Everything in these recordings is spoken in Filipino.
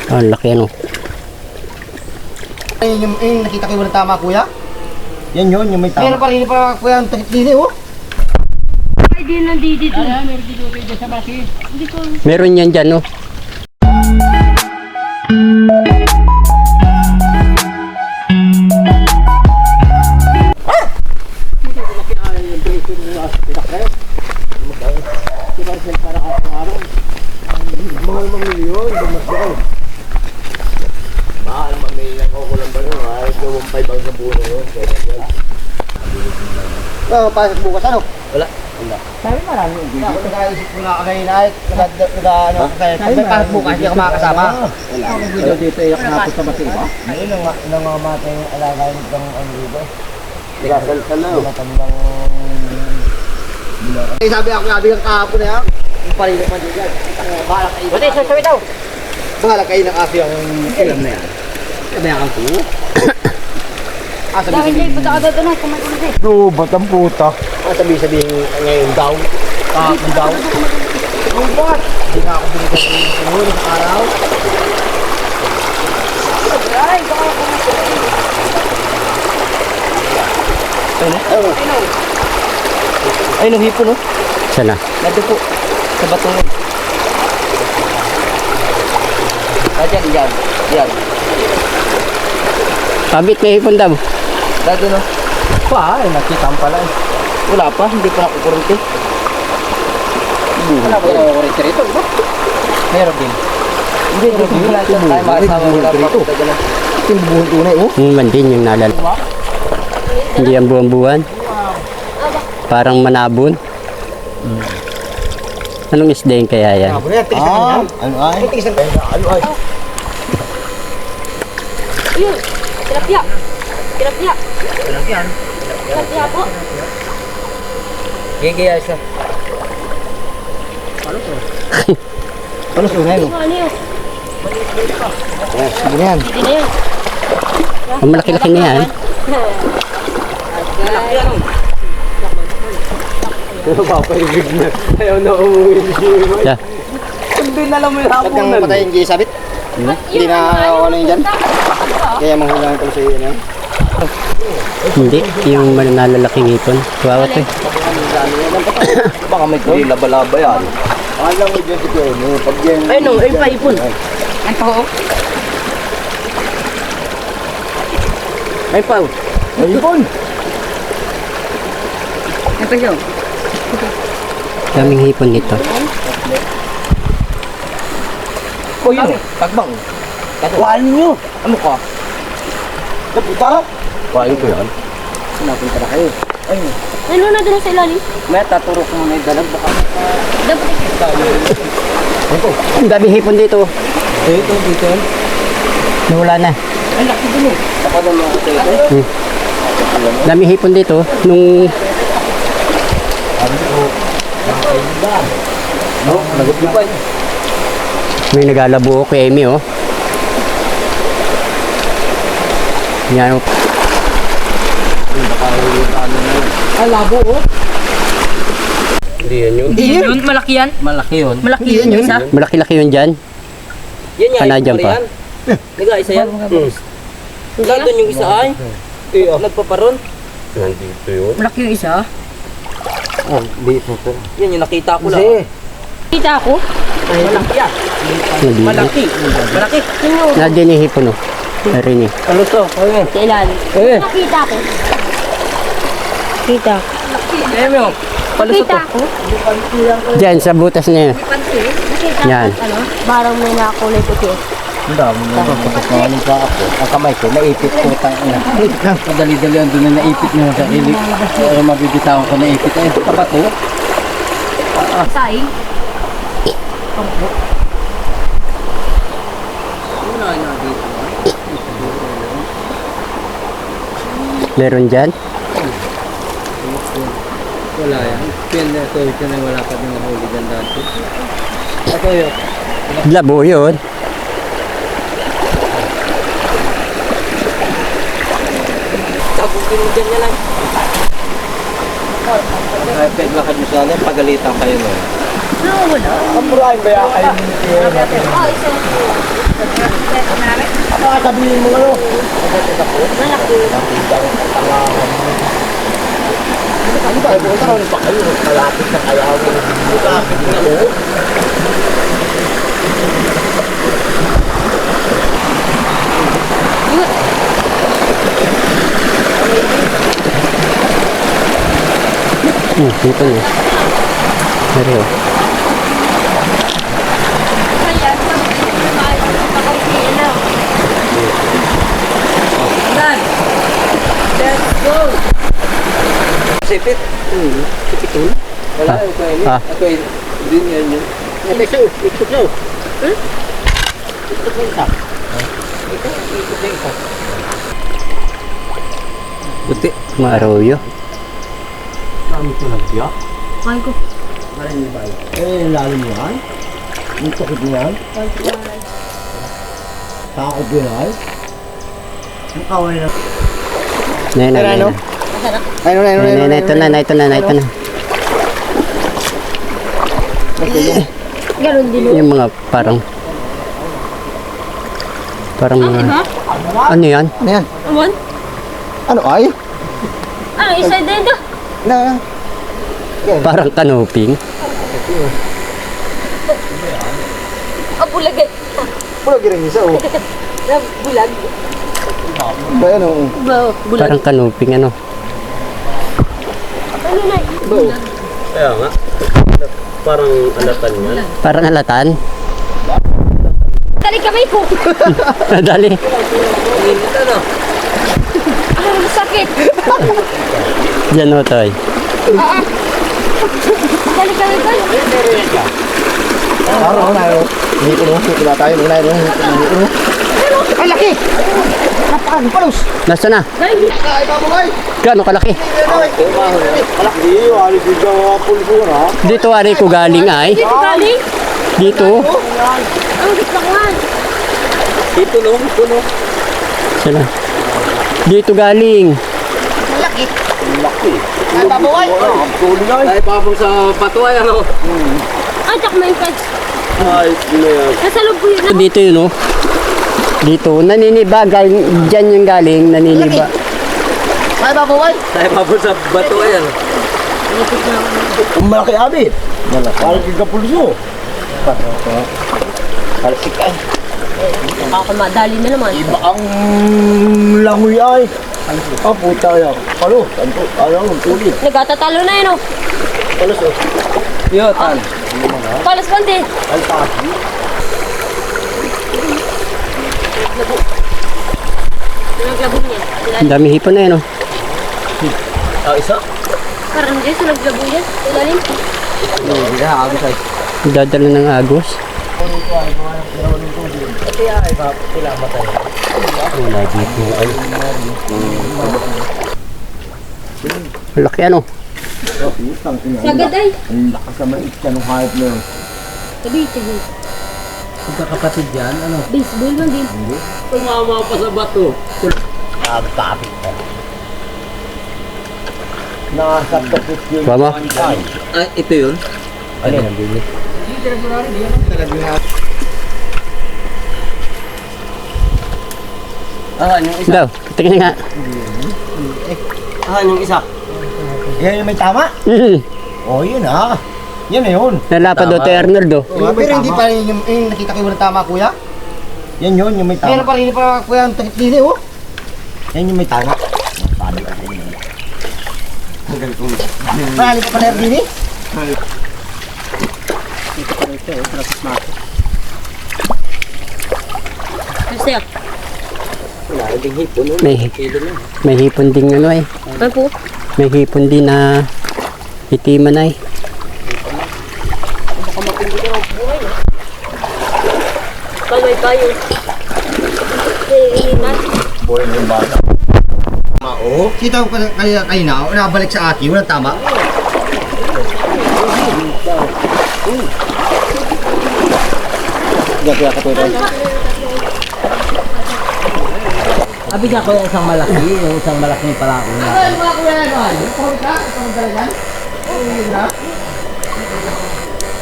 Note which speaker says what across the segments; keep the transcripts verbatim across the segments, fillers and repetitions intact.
Speaker 1: Ah, laki ano.
Speaker 2: Ayun yung, yung nakita ko yung tama kuya.
Speaker 3: Yan yun, yung may tama.
Speaker 2: Meron pa rin pa kuya ang takit dili oh.
Speaker 4: Ay, di nandito.
Speaker 2: Ay, meron dito dito sa basi.
Speaker 4: Hindi ko.
Speaker 1: Meron yan dyan, no?
Speaker 3: Mahal mamilyon, dumasal. Mahal mamilyon ako lang ba yun? Ay, gawang five ang nabuno yun.
Speaker 2: Oh, pasok bukas ano?
Speaker 3: Wala.
Speaker 2: Sabi marami hindi. Ako nag-aisip ko na kagayin ay nag-ano kaya sabi pasok bukas hindi ako makakasama.
Speaker 3: Wala. Dito dito iyak na ako sa masiba.
Speaker 2: Ayun ang nangamatay yung alaga ng ano dito.
Speaker 3: Lasal ka na.
Speaker 2: Matandang Eh sabi ako sabi ng kahapon na yan. Yung parilo pa din yan. Bahala kayo. Buti, sasabi daw. Bahala kayo ng aso yung ilam na yan. Sabi ang ko. Ah, sabi
Speaker 4: Dahil
Speaker 2: sabi.
Speaker 4: dyan, punta ka doon doon. Kumain kasi.
Speaker 3: Do, batang puta.
Speaker 2: Ah, sabi sabi ngayon daw. Kahapon daw. Yung bot. Hindi na ako binigyan ng ulo sa araw.
Speaker 4: Ay, baka kumain.
Speaker 2: Ayun.
Speaker 3: Ay, nung hipo, no?
Speaker 1: Sana.
Speaker 3: Nado po. Sa batungan. Ah, dyan, dyan. Dyan.
Speaker 1: Kabit may hipon daw.
Speaker 3: Dado, no? Pa, ay, nakita mo pala eh. Wala pa, hindi pa nakukurente.
Speaker 2: Wala ba yung kurente rito?
Speaker 3: Meron din. Hindi, hindi. Wala siya tayo makasama wala pa. Ito yung bubuhon tunay, oh.
Speaker 1: Yung man din yung nalala. Hindi yan buwan-buwan. Parang manabon. Hmm. Anong isda yung kaya yan?
Speaker 2: Ah, bulan, tigas na
Speaker 3: Ah, ano ay?
Speaker 2: Tigas na.
Speaker 3: Ano ay?
Speaker 4: Ayun, tilapia. Tilapia.
Speaker 2: Walang yan.
Speaker 4: Tilapia po.
Speaker 3: Gigaya siya.
Speaker 2: Ano sunay mo?
Speaker 4: Ano yun?
Speaker 2: Sige na yan.
Speaker 4: Hindi na yun.
Speaker 1: Ang malaki-laki na yan.
Speaker 3: Papaibig na. Ayaw na umuwi siya.
Speaker 1: Yeah.
Speaker 3: Hindi na alam mo yung
Speaker 2: Pag
Speaker 3: hapon
Speaker 2: nang matay yung gisabit, hindi na ano yun dyan. Kaya manghulang ito sa iyo na.
Speaker 1: Hindi. Yung man- nalalaki ngipon. Kawawa to eh.
Speaker 3: Baka may hindi laba-laba yan. Alam mo dyan si Kuya, pag yan...
Speaker 2: Ay no, ay paipon.
Speaker 4: Ang tao.
Speaker 2: Ay pa.
Speaker 3: Ay, ipon!
Speaker 4: Ito siya.
Speaker 1: Daming hipon dito.
Speaker 3: O yun, tagbang. Katuwaan nyo! Ano ka? Kaputa? Kain ko yan.
Speaker 2: Napunta na kayo.
Speaker 3: Ay,
Speaker 4: Ano na doon sa ilalim?
Speaker 3: may taturo ko muna yung dalag. Baka
Speaker 4: Dapat
Speaker 3: ito.
Speaker 1: Ang daming hipon dito.
Speaker 3: Eh, ito, dito yan.
Speaker 1: Nawala na.
Speaker 3: Ay, laki din eh. Saka na mga kayo.
Speaker 1: Hmm. Daming hipon dito. Nung
Speaker 3: Ano ko? Nakakaiba. No, nagupipay.
Speaker 1: may nagalabo kay Amy, oh. Yan, oh.
Speaker 3: Baka yung ano na yun.
Speaker 2: Ay labo oh.
Speaker 3: Hindi yan yun.
Speaker 4: Hindi yun. Malaki yan.
Speaker 3: Malaki yun.
Speaker 4: Malaki yun yung isa.
Speaker 1: Malaki-laki yun dyan.
Speaker 5: Yan yan.
Speaker 1: Kanadyan pa.
Speaker 5: Liga, isa yan. Hmm. Nandun yung isa ay.
Speaker 3: Eh, oh.
Speaker 5: Nagpaparon.
Speaker 3: Nandito yun.
Speaker 4: Malaki yung isa.
Speaker 3: Oh, di po po.
Speaker 5: Yan yung nakita ko lang.
Speaker 3: Kasi,
Speaker 4: Kita ako.
Speaker 5: Malaki yan.
Speaker 1: Nandito.
Speaker 5: Malaki. Malaki.
Speaker 1: Nandyan yung hipon, oh. Narinig.
Speaker 3: ano to? Ayun.
Speaker 4: Sa ilalim.
Speaker 3: Eh,
Speaker 4: Nakita ko. Kita.
Speaker 5: Eh, mo.
Speaker 4: Nakita ko.
Speaker 1: Dyan, sa butas na yun.
Speaker 4: Nakita
Speaker 1: Yan.
Speaker 4: ko. Ano? Parang may nakulay puti.
Speaker 3: ang dami na ito. Kapag nawaling sa ako, ang kamay ko, naipit ko tang ina. Madali-dali ang doon na naipit na sa ilig. Pero mabibitawan ko naipit. Eh, kapat ko.
Speaker 4: Sai.
Speaker 1: Meron dyan.
Speaker 3: Wala yan. Pin na ito, ito na wala pa din mahuli dyan dati. Ito yun.
Speaker 1: Labo yun.
Speaker 5: Tapos mo dyan yan lang.
Speaker 3: Ay, peg lakad nyo sana, pagalitan kayo nun.
Speaker 4: No, wala.
Speaker 3: Ang murahin ba yan kayo?
Speaker 4: Ah, isa.
Speaker 2: Baka sabihin mo ano.
Speaker 4: Malaki.
Speaker 2: Ano ba? Ito ka pa kayo. Kalapit na kaya ako. Kalapit na ako.
Speaker 1: Hmm, dito na. Pero,
Speaker 4: Kaya, nakausiin na. Dad! Let's go!
Speaker 5: Sipit. Hmm. Sipit yun. Wala,
Speaker 1: Ah.
Speaker 5: ito yun.
Speaker 1: Ah.
Speaker 5: Ito yun. Din yan yun.
Speaker 2: Ito siya. Ito siya.
Speaker 5: Ito po isa. Ito, ito po isa. Puti.
Speaker 1: maaroyo.
Speaker 2: Dami ito nagya.
Speaker 4: Kain ko.
Speaker 2: Eh, lalim yan. Yung tukit niyan. Takot yun ay. Ang kaway na.
Speaker 1: Nay, nay, nay.
Speaker 2: Ano? Ayun, ayun,
Speaker 1: Nay, nay, nay, ito na, nay, ito na, nay, ito na.
Speaker 4: Ganon din.
Speaker 1: Yung mga parang, parang mga,
Speaker 4: Diba?
Speaker 1: ano yan?
Speaker 2: Ano yan?
Speaker 4: Aman?
Speaker 2: Ano ay?
Speaker 4: Ano, isa din to?
Speaker 2: Na.
Speaker 1: Parang kanoping.
Speaker 4: Ah, bulagan.
Speaker 2: Pulo giring isa oh.
Speaker 4: Na bulag.
Speaker 2: Ba yan oh.
Speaker 4: Ba, bulag.
Speaker 1: Parang kanoping, ano.
Speaker 4: Ano na? Bulag.
Speaker 5: Kaya nga. Parang alatan yan.
Speaker 1: Parang alatan.
Speaker 4: Dali kamay ko.
Speaker 1: Dali.
Speaker 5: Ito na.
Speaker 4: Ah, sakit.
Speaker 1: Diyan o, Toy.
Speaker 4: Ah, ah. Dali kamay ko.
Speaker 2: Araw na yun. Hindi ko nung sila tayo. Muna yun. Ay, laki! Napakan, palos!
Speaker 1: Nasa na?
Speaker 4: Dali.
Speaker 2: Ay, babagay!
Speaker 1: Gano'ng kalaki?
Speaker 2: Malaki, alis yung gawa pulso na.
Speaker 1: Dito ari ko galing ay.
Speaker 4: Dito galing.
Speaker 1: Dito.
Speaker 4: Ang gitlakman.
Speaker 5: Ito no, ito no.
Speaker 1: Sana. Dito galing.
Speaker 2: Malaki. Malaki. Ay, babagay! Ang tuloy na.
Speaker 5: Ay, papang sa patuay ano.
Speaker 4: Ah, tsak may catch.
Speaker 5: Ay, ano yan.
Speaker 4: Nasa loob ko yun. ah.
Speaker 1: Dito yun oh. Dito. Naniniba. Galing, dyan yung galing. Naniniba.
Speaker 2: Ay, babagay!
Speaker 5: Ay, papang sa patuay ano.
Speaker 2: Ang malaki abi. Malaki. Malaki ka pulso. Malaki ka.
Speaker 4: Ako madali na naman.
Speaker 2: Iba ang langoy ay. Ah, puta yan. Palo, tanto, ano, ang tuloy.
Speaker 4: Nagkatatalo na yun oh.
Speaker 2: Palos oh.
Speaker 5: Yo, tan.
Speaker 4: Palas bante.
Speaker 2: Alpaki.
Speaker 4: Naglabog niya.
Speaker 1: Ang dami hipon na yun oh.
Speaker 5: Ah, isa.
Speaker 4: Parang dyan sa naglabog niya. Ilalim.
Speaker 2: Hindi na, abi tayo.
Speaker 1: Dadala ng agos. Wala dito ay. Malaki ano.
Speaker 4: Sagad ay.
Speaker 2: Ang lakas naman itya nung hayop na yun.
Speaker 4: Sabi, sabi.
Speaker 5: Magkakapatid yan, ano?
Speaker 4: Baseball man din.
Speaker 5: Tumama pa sa bato.
Speaker 2: Nagkapit na. Nakasaptapit yun.
Speaker 1: Mama.
Speaker 2: Ay,
Speaker 5: Ay, ito yun.
Speaker 2: ano yan?
Speaker 5: Ah, yung isa.
Speaker 1: Daw. Tingnan nga.
Speaker 5: Ah, yung isa.
Speaker 2: Yan yung may tama?
Speaker 1: Mm.
Speaker 2: Oh, yun ah. Yan na yun.
Speaker 1: Nalapad do to Arnold do.
Speaker 2: Oh, pero hindi pa rin yung, yung nakita ko yung tama, kuya. Yan yun, yung may tama. Meron pa rin pa, kuya, ang takip dili, oh. Yan yung may tama. Sabi ka rin yun. Marali pa pala dili?
Speaker 4: Kasi ah.
Speaker 5: Wala, yung hipon. no?
Speaker 1: May,
Speaker 5: Kilo na.
Speaker 1: may hipon din ano ay.
Speaker 4: Ano po?
Speaker 1: May hipon din na itiman ay.
Speaker 4: Kalmay tayo. Eh, initan.
Speaker 2: Boy, yung bata. Tama, oh. Kita ko kanina, kanina, oh, nabalik sa akin, walang tama. Gaya ka to rin.
Speaker 3: Abi ka ko yung isang malaki, yung isang malaking palako na.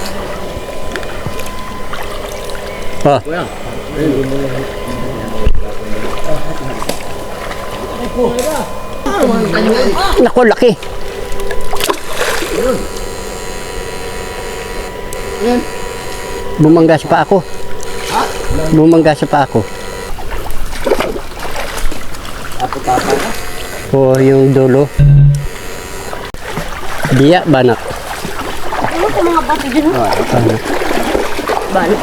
Speaker 1: Oh. Naku, laki. Bumangga sa pa ako. Bumangga sa pa ako. O yung dulo. Biya, banak.
Speaker 4: Ano sa mga bato dyan? oh?
Speaker 1: Banak.
Speaker 4: Balo.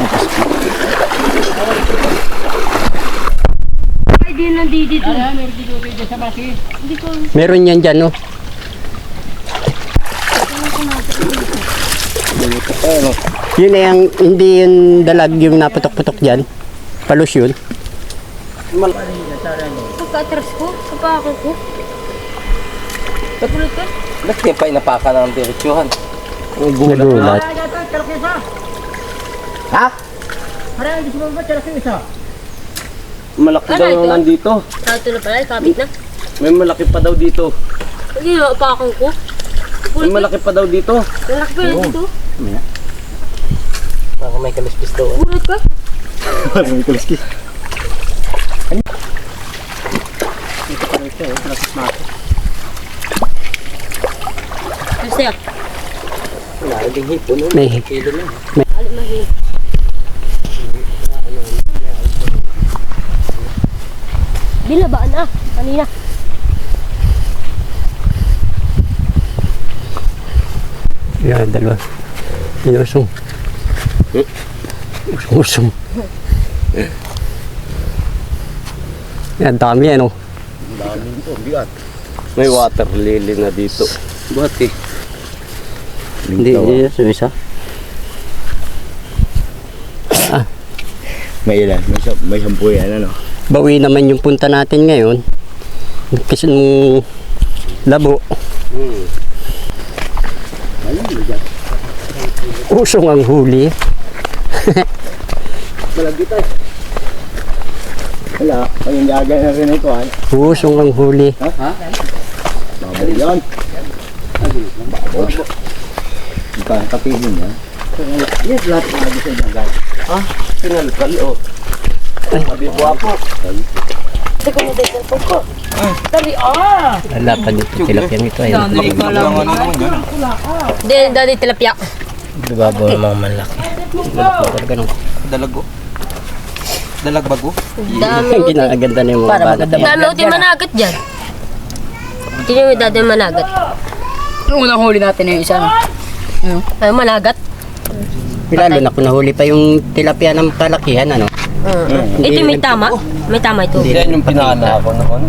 Speaker 4: Ay, di nandito dito. Hindi ko.
Speaker 1: Meron yan dyan, no? Yun na yung, hindi yung dalag yung naputok-putok dyan. Palos yun.
Speaker 4: Pagka-atras ko, sa pako ko. Kapulot ka?
Speaker 3: Ba't kaya pa inapaka ng diretsyohan?
Speaker 1: Nagulat.
Speaker 2: Ha?
Speaker 3: Malaki
Speaker 4: Ano
Speaker 3: daw
Speaker 4: ito?
Speaker 3: yung nandito.
Speaker 4: Tato na pala, kabit na.
Speaker 3: May malaki pa daw dito.
Speaker 4: Hindi na, pako ko.
Speaker 3: May malaki pa daw dito.
Speaker 4: Lalaki pa yun dito.
Speaker 3: Parang may kalispis daw.
Speaker 4: Pulot ka?
Speaker 2: May kuliski.
Speaker 4: Ano sa'yo?
Speaker 3: Wala, naging hipon. no?
Speaker 1: May,
Speaker 3: Kilo na.
Speaker 4: Alim na hiyo. Bilabaan na, kanina.
Speaker 1: yan, dalawa. Inusong. Usong-usong. Yan, dami yan, oh.
Speaker 3: May water lily na dito. Buhat eh.
Speaker 1: Hindi, hindi yan, sumisa.
Speaker 2: May ilan? May, sa- may sampu yan, ano?
Speaker 1: Bawi naman yung punta natin ngayon. Kasi nung labo.
Speaker 3: Hmm.
Speaker 1: Usong ang huli.
Speaker 2: Malagit ay. Wala, ang gagay na rin ito, ay.
Speaker 1: Usong ang huli.
Speaker 2: Babali yan. Ika, kapihin niya. Yes, lahat ng lagi sa gagay.
Speaker 3: Sinalkal oh. Sabi buwapo.
Speaker 4: Hindi ko na dito po ko. Dali, ah!
Speaker 1: Wala pa dito tilapyan ito. Ayun.
Speaker 4: Hindi, dali tilapia.
Speaker 3: Dibabaw ng mga malaki.
Speaker 1: Ganun.
Speaker 5: Dalago. Dalagbago.
Speaker 4: Dami
Speaker 1: Ang
Speaker 4: uti.
Speaker 1: ginaganda na yung mga bata.
Speaker 4: Dami uti managat dyan. Hindi nyo dati managat.
Speaker 6: Yung unang huli natin yung isa. No?
Speaker 4: Ay, managat.
Speaker 1: Lalo na kung nahuli pa yung tilapia ng kalakihan, ano?
Speaker 4: Uh, ito may tama. May tama ito.
Speaker 3: Yan yung pinakana ako noon.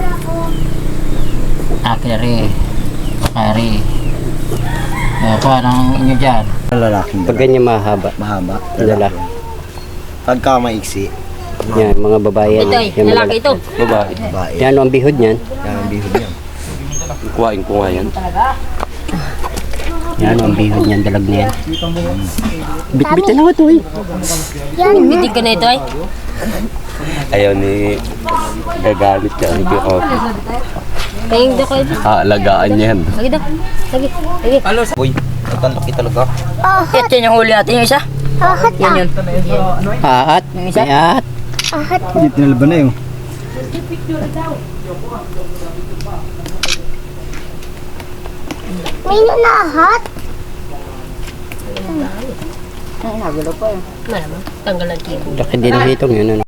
Speaker 6: Akiri. Akari. Eh, parang inyo dyan.
Speaker 2: Lalaking
Speaker 1: Pag ganyan mahaba.
Speaker 2: mahaba.
Speaker 1: Lalaki.
Speaker 2: Pagka maiksi,
Speaker 1: Yan, mga babae yan.
Speaker 4: Ito ay,
Speaker 1: Yan,
Speaker 4: lalaki ito.
Speaker 3: Babae.
Speaker 2: babae.
Speaker 1: Yan ang bihod niyan.
Speaker 2: Yan ang bihod niya.
Speaker 3: Kuhain ko nga yan.
Speaker 1: Yan ang bihod niyan, dalag na yan. Bit-bitin ako ito eh.
Speaker 4: Bitig ka na ito ay.
Speaker 3: Ayaw ni gagalit ka. Hindi ko.
Speaker 4: Kayong daw kayo.
Speaker 3: Haalagaan niya yan.
Speaker 4: Lagi daw. Lagi. Lagi.
Speaker 5: Uy, ang laki talaga.
Speaker 6: Ito yung huli natin yung isa. Yan yun.
Speaker 1: Aat, may aat.
Speaker 2: Hindi tinalaban na yun.
Speaker 4: May nanahat.
Speaker 6: Ay, nagulo pa yun.
Speaker 4: Malamang. Tanggal ang kibo.
Speaker 1: Laki din ang hitong yun, ano?